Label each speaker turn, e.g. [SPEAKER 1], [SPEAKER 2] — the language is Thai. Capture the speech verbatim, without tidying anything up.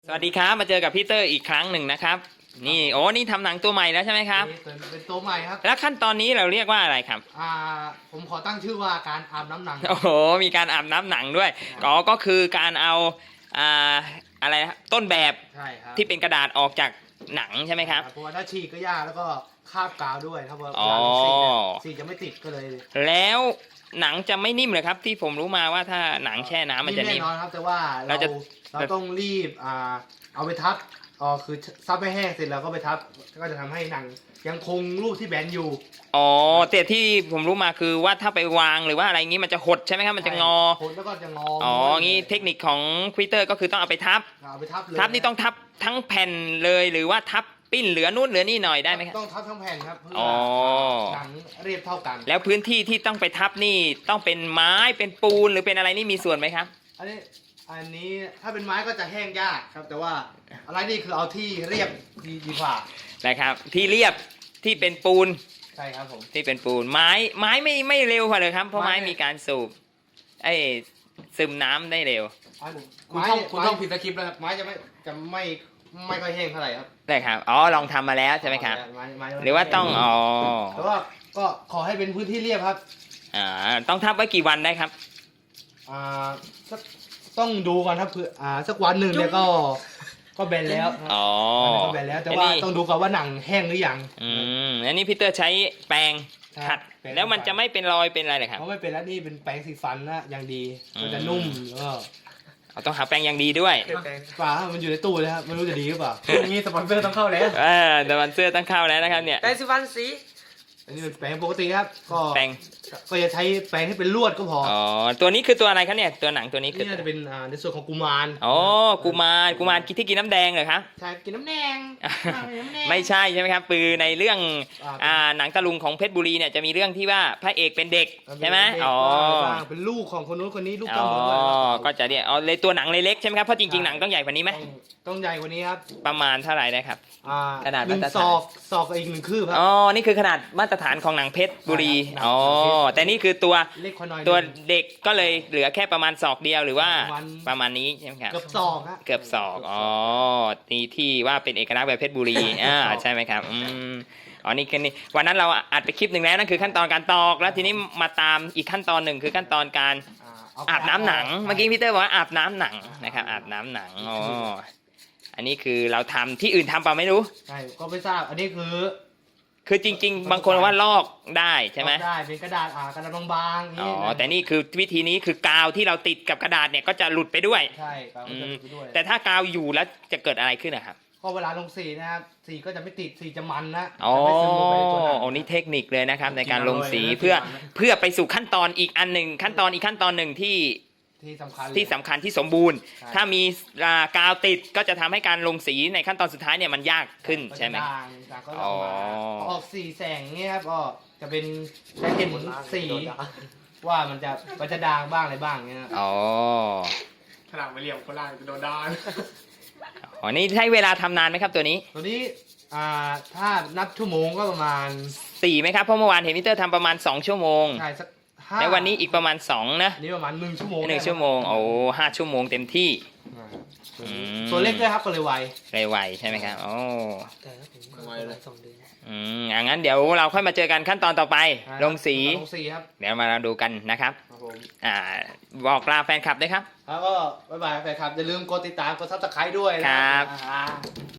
[SPEAKER 1] สวัสดีครับมาเจอกับพี่เตอร์อีกครั้งหนึ่งนะครับนี่โอ้นี่ทำหนังตัวใหม่แล้วใช่ไหมครับ
[SPEAKER 2] เป็นเป็นตัวใหม่ครับ
[SPEAKER 1] แล้วขั้นตอนนี้เราเรียกว่าอะไรครับ
[SPEAKER 2] อ่าผมขอตั้งชื่อว่าการอาบน้ำหนัง
[SPEAKER 1] โอ้โหมีการอาบน้ำหนังด้วยก็ก็คือการเอาอ่าอะไรนะต้นแบบ
[SPEAKER 2] ใช่ครับ
[SPEAKER 1] ที่เป็นกระดาษออกจากหนังใช่ไหมครับ
[SPEAKER 2] เพราะว่าถ้าฉีกก็ยากแล้วก็คาบกาวด้วยครับเพราะ
[SPEAKER 1] อ๋อ
[SPEAKER 2] เวลาสีเนี่ยสีจะไม่ติดก็เลย
[SPEAKER 1] แล้วหนังจะไม่นิ่มเลยครับที่ผมรู้มาว่าถ้าหนังแช่น้ำมันจะ
[SPEAKER 2] แน่
[SPEAKER 1] นิ่ม
[SPEAKER 2] นอนครับแต่ว่า
[SPEAKER 1] เรา
[SPEAKER 2] เรา
[SPEAKER 1] จะ
[SPEAKER 2] เราต้องรีบอ่าเอาไปทับอ๋อคือซับให้แห้งเสร็จแล้วก็ไปทับก็จะทำให้หนังยังคงรูปที่แบนอยู่
[SPEAKER 1] อ๋อแต่ที่ผมรู้มาคือว่าถ้าไปวางหรือว่าอะไรงี้มันจะหดใช่ไหมครับมันจะงอ
[SPEAKER 2] โคนแล้วก็จะงอ
[SPEAKER 1] อ๋องี้เทคนิคของควิเตอร์ก็คือต้องเอาไปทับ
[SPEAKER 2] เอาไปทับเลย
[SPEAKER 1] ทับนี่ต้องทับทั้งแผ่นเลยหรือว่าทับปิ้นเหลือนู่นเหลือนี่หน่อยได้ไหมครับ
[SPEAKER 2] ต้องทับทั้งแผ่นครับเพื่อ
[SPEAKER 1] อ๋อ
[SPEAKER 2] หนังเรียบเท่ากัน
[SPEAKER 1] แล้วพื้นที่ที่ต้องไปทับนี่ต้องเป็นไม้เป็นปูนหรือเป็นอะไรนี่มีส่วนไหมครับ
[SPEAKER 2] อันนี้อันนี้ถ้าเป็นไม้ก็จะแห้งยากครับแต่ว่าอะไรนี่คือเอาที่เรียบดีดีกว่า
[SPEAKER 1] นะครับที่เรียบที่เป็นปูน
[SPEAKER 2] ใช่ครับผม
[SPEAKER 1] ที่เป็นปูนไม้ไม้ไม่ไม่เร็วกว่าเลยครับเพราะไม้
[SPEAKER 2] ไม้
[SPEAKER 1] มีการสูบไอ้ซึมน้ำได้เร็ว
[SPEAKER 2] ไม้ผม
[SPEAKER 3] คุณ
[SPEAKER 2] ไม้
[SPEAKER 3] ท่องคุณ
[SPEAKER 2] ไม้
[SPEAKER 3] ท่องผิดสคริปต์แล้วครับ
[SPEAKER 2] ไม้จะไม่จะไม่ไม่ค่อยแห้งเท่าไหร่ครับ
[SPEAKER 1] ได้ครับอ๋อลองทำมาแล้วใช่ไหมครับ
[SPEAKER 2] ไม้ไม้
[SPEAKER 1] หรือว่าต้องอ๋อ
[SPEAKER 2] แต่ว่าก็ขอให้เป็นพื้นที่เรียบครับ
[SPEAKER 1] อ่าต้องทับไว้กี่วันได้ครับ
[SPEAKER 2] อ่าสักต้องดูก่อนครับคืออ่าสักวันหนึ่งเนี่ยก็ก็แบนแล้ว
[SPEAKER 1] อ๋อ
[SPEAKER 2] ก็แบนแล้วแต่ว่าต้องดูก่อนว่าหนังแห้งหรือยัง
[SPEAKER 1] อืมอันนี้พีเตอร์ใช้แปรงขัด
[SPEAKER 2] แปรง
[SPEAKER 1] แล้วมันจะไม่เป็นรอยเป็นอะไรเลยครับ
[SPEAKER 2] เพราะไม่เป็นแล้วนี่เป็นแปรงสีฟันนะอย่างดี
[SPEAKER 1] อืม
[SPEAKER 2] มันจะนุ่มแล้วก็
[SPEAKER 1] เอาต้องหาแปรงอย่างดีด้วย
[SPEAKER 2] ฝามันอยู่ในตู้เลยครับไม่รู้จะดีหรือเปล่าอย่างนี้สปอนเซอร์ต้องเข้าแล้ว
[SPEAKER 1] เออแต่มันเสื้อตั้งเข้าแล้วนะครับเนี่ย
[SPEAKER 3] แปรงสีฟันสี
[SPEAKER 2] อันนี้เป็นแปรงปกติครับก็
[SPEAKER 1] แปรง
[SPEAKER 2] ก็จะใช้แปรงที่เป็นลวดก็พอ
[SPEAKER 1] อ๋อตัวนี้คือตัวอะไรครับเนี่ยตัวหนังตัวนี้คือ
[SPEAKER 2] นี่น่าจะเป็นอ่าในส่วนของกุมาร
[SPEAKER 1] อ๋อกุมารกุมารที่กินน้ำแดงเหรอครับ
[SPEAKER 2] ใช่กินน้ำแดงน้ำแดง
[SPEAKER 1] ไม่ใช่ใช่ไหมครับคือในเรื่อง
[SPEAKER 2] อ่า
[SPEAKER 1] อ่าหนังตะลุงของเพชรบุรีเนี่ยจะมีเรื่องที่ว่าพระเอกเป็นเด็กใช่ไหม
[SPEAKER 2] เป็นเด็ก
[SPEAKER 1] อ๋อ
[SPEAKER 2] บ้างเป็นลูกของคนนู้นคนนี้ลูก
[SPEAKER 1] อ๋
[SPEAKER 2] เจ้า
[SPEAKER 1] อ
[SPEAKER 2] หมดด้วย
[SPEAKER 1] ก็จะเนี่ยเอาเลยตัวหนังเลยเล็กใช่ไหมครับเพราะจริงๆหนังต้องใหญ่กว่านี้ไหม
[SPEAKER 2] ต้องต้องใหญ่กว่านี้ครับ
[SPEAKER 1] ประมาณเท่าไหร่ได้ครับ
[SPEAKER 2] อ่า
[SPEAKER 1] ขนาด
[SPEAKER 2] หนึ่ง
[SPEAKER 1] มาตรฐาน
[SPEAKER 2] ศอกศอกกับอีกหนึ่งคืบครับ
[SPEAKER 1] อ๋อนี่คือขนาดมาตรฐานของหนังเพชรบุรี
[SPEAKER 2] ใช่ครับ
[SPEAKER 1] อ๋อ
[SPEAKER 2] หนังเพชร
[SPEAKER 1] แต่นี่คือตัว
[SPEAKER 2] เล็กกว่าหน่อย
[SPEAKER 1] ตัว
[SPEAKER 2] หนึ่ง
[SPEAKER 1] เด็กก็เลยเหลือแค่ประมาณศอกเดียวหรือว่า
[SPEAKER 2] ประมาณ
[SPEAKER 1] ประมาณนี้ใช่ไหมครับ
[SPEAKER 2] เกือบศอกฮะ
[SPEAKER 1] เกือบศอกอ๋อนี่ที่ว่าเป็นเอกลักษณ์แบบเพชรบุรี อ่าใช่ไหมครับอืมอ๋อนี่คือนี่วันนั้นเราอัดไปคลิปหนึ่งแล้วนั่นคือขั้นตอนการตอกแล้วทีนี้มาตามอีกขั้นตอนหนึ่งคือขั้นตอนการ
[SPEAKER 2] อ่าเ
[SPEAKER 1] อาบน้ำหนัง
[SPEAKER 2] ใช่
[SPEAKER 1] เมื่อกี้พี่เตอร์บอกว่าอาบน้ำหนังนะครับอาบน้ำหนังอ๋ออันนี้คือเราทำที่อื่นทำเปล่าไม่รู้
[SPEAKER 2] ใช่ก็ไม่ทราบอันนี้คือ
[SPEAKER 1] คือจริง ๆ บางคนว่าลอกได้ใช่ไหม
[SPEAKER 2] ได้เป็นกระดาษอ่ากระดาษบางๆ
[SPEAKER 1] อ๋อ
[SPEAKER 2] นี่นะ
[SPEAKER 1] แต่นี่คือวิธีนี้คือกาวที่เราติดกับกระดาษเนี่ยก็จะหลุดไปด้วย
[SPEAKER 2] ใช่ครับก็จะดูไปด้วย
[SPEAKER 1] แต่ถ้ากาวอยู่แล้วจะเกิดอะไรขึ้นนะครับ
[SPEAKER 2] ก็เวลาลงสีนะครับสีก็จะไม่ติดสีจะมันนะ
[SPEAKER 1] อ๋อ
[SPEAKER 2] จะไม่ซึมลงไปในตัวหนัง
[SPEAKER 1] โอ้นี่เทคนิคเลยนะครับในการลงสี
[SPEAKER 2] จริงๆ
[SPEAKER 1] เพื่อ
[SPEAKER 2] เลยนะ
[SPEAKER 1] เพื่อไปสู่ขั้นตอนอีกอันหนึ่งขั้นตอนอีกขั้นตอนหนึ่งที่
[SPEAKER 2] ที่สำคัญเลย
[SPEAKER 1] ที่สำคัญที่สมบูรณ์
[SPEAKER 2] ใช่
[SPEAKER 1] ถ้ามีอ่ากาวติดก็จะทำให้การลงสีในขั้นตอนสุดท้ายเนี่ยมันยากขึ้นใช่ไหม
[SPEAKER 2] ก็จะด่างด่างก็จะออกมา
[SPEAKER 1] อ๋อ
[SPEAKER 2] พอออกสีแสงเนี่ยครับก็จะเป็นจะเห็นสีว่ามันจะมันจะด่างบ้างอะไรบ้างเนี่ย
[SPEAKER 1] อ๋อ
[SPEAKER 3] ขนาดไม่เหลี่ยมคนล่างจะโดนด้าน
[SPEAKER 1] อ๋อนี่ใช้เวลาทำนานไหมครับตัวนี้
[SPEAKER 2] ตัวนี้อ่าถ้านับชั่วโมงก็ประมาณ
[SPEAKER 1] สี่ไหมครับเพราะเมื่อวานเห็นมิเตอร์ทำประมาณสองชั่วโมง
[SPEAKER 2] ใช่สักห้า
[SPEAKER 1] แล้ววันนี้อีกประมาณสองนะ
[SPEAKER 2] อันนี้ประมาณหนึ่งชั่วโมง
[SPEAKER 1] หนึ่งชั่วโมงโอ้ห้าชั่วโมงเต็มที่
[SPEAKER 2] อ่า
[SPEAKER 1] อืม
[SPEAKER 2] ตัวเล็กด้วยครับก็เลยไว
[SPEAKER 1] ไวๆใช่ไหมครับโอ้
[SPEAKER 3] แต่ถ้าผมไวเลยสองเดือน
[SPEAKER 1] อืมอย่างนั้นเดี๋ยวเราค่อยมาเจอกันขั้นตอนต่อไป ลงสี
[SPEAKER 2] ลงสีครับ
[SPEAKER 1] เดี๋ยวมาดูกันนะครับ
[SPEAKER 2] ครับผม
[SPEAKER 1] อ่าบอกลาแฟนคลับด้วยครับ
[SPEAKER 2] แล้วก็บ๊ายบายแฟนคลับอย่าลืมกดติดตามกดซับสไครต์ด้วยนะครับ อ่า